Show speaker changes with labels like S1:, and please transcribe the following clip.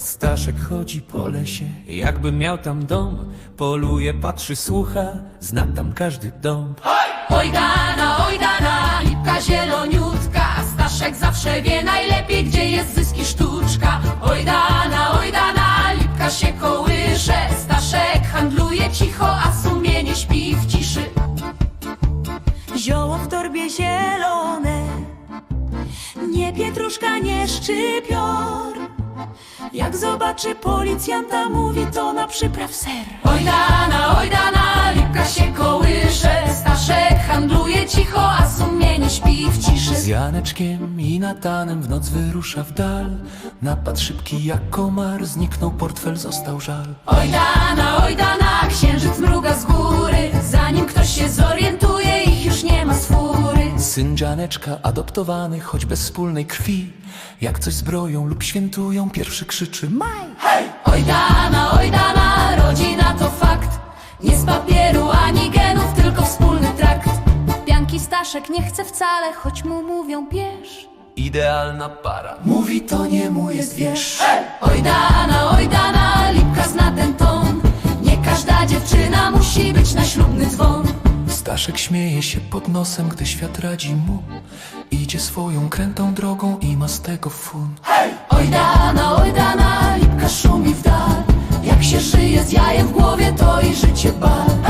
S1: Staszek chodzi po lesie, jakby miał tam dom. Poluje, patrzy, słucha, zna tam każdy dąb.
S2: Oj dana, lipka zieloniutka. Staszek zawsze wie najlepiej, gdzie jest zysk i sztuczka. Oj dana, lipka się kołysze. Staszek handluje cicho, a sumienie śpi w ciszy.
S3: Zioło w torbie zielone, nie pietruszka, nie szczypior. Jak zobaczy policjanta, mówi to na przypraw ser.
S2: Oj dana, lipka się kołysze. Staszek handluje cicho, a sumienie śpi w ciszy.
S1: Z Janeczkiem i Natanem w noc wyrusza w dal. Napad szybki jak komar, zniknął portfel, został żal.
S2: Oj dana, księżyc mruga z góry. Zanim ktoś się zorientuje, ich już nie ma z fury.
S1: Syn Janeczka adoptowany, choć bez wspólnej krwi. Jak coś zbroją lub świętują, pierwszy krzyczy maj.
S2: Oj dana, rodzina to fakt. Nie z papieru ani genów, tylko wspólny trakt. Pianki Staszek nie chce wcale, choć mu mówią bierz.
S1: Idealna para, mówi to nie mój jest wiersz.
S2: Oj dana, lipka zna ten ton. Nie każda dziewczyna musi być na ślubny dzwon.
S1: Staszek śmieje się pod nosem, gdy świat radzi mu. Idzie swoją krętą drogą i ma z tego fun.
S2: Oj dana, lipka szumi w dal. Jak się żyje z jajem w głowie, to i życie bal.